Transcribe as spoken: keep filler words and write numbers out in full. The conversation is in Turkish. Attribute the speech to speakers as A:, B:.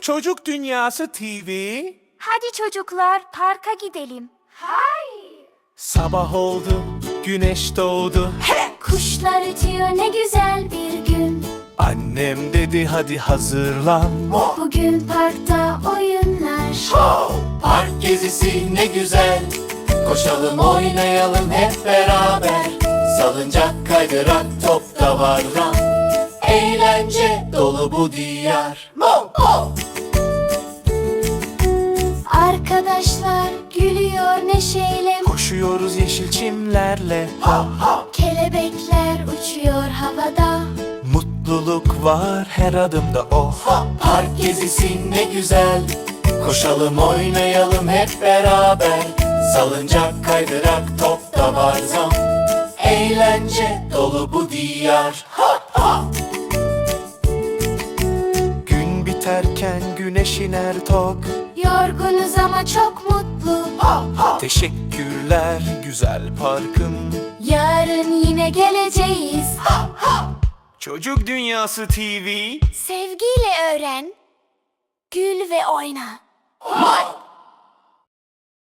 A: Çocuk Dünyası T V.
B: Hadi çocuklar parka gidelim. Hayır.
A: Sabah oldu, güneş doğdu.
B: Kuşlar ötüyor ne güzel bir gün.
A: Annem dedi hadi hazırlan.
B: Bugün parkta oyunlar.
C: Park gezisi ne güzel. Koşalım oynayalım hep beraber. Salıncak kaydırak top da var. Eğlence dolu bu diyar. Mo, mo.
B: Arkadaşlar gülüyor neşeyle.
A: Koşuyoruz yeşil çimlerle.
B: Kelebekler uçuyor havada.
A: Mutluluk var her adımda oh.
C: Park gezisi ne güzel. Koşalım oynayalım hep beraber. Salıncak kaydırak top da var zam. Eğlence dolu bu diyar.
A: Gün biterken güneş iner tok.
B: Yorgunuz ama çok mutlu.
A: Teşekkürler güzel parkım.
B: Yarın yine geleceğiz.
A: Çocuk Dünyası T V.
B: Sevgiyle öğren. Gül ve oyna.
C: My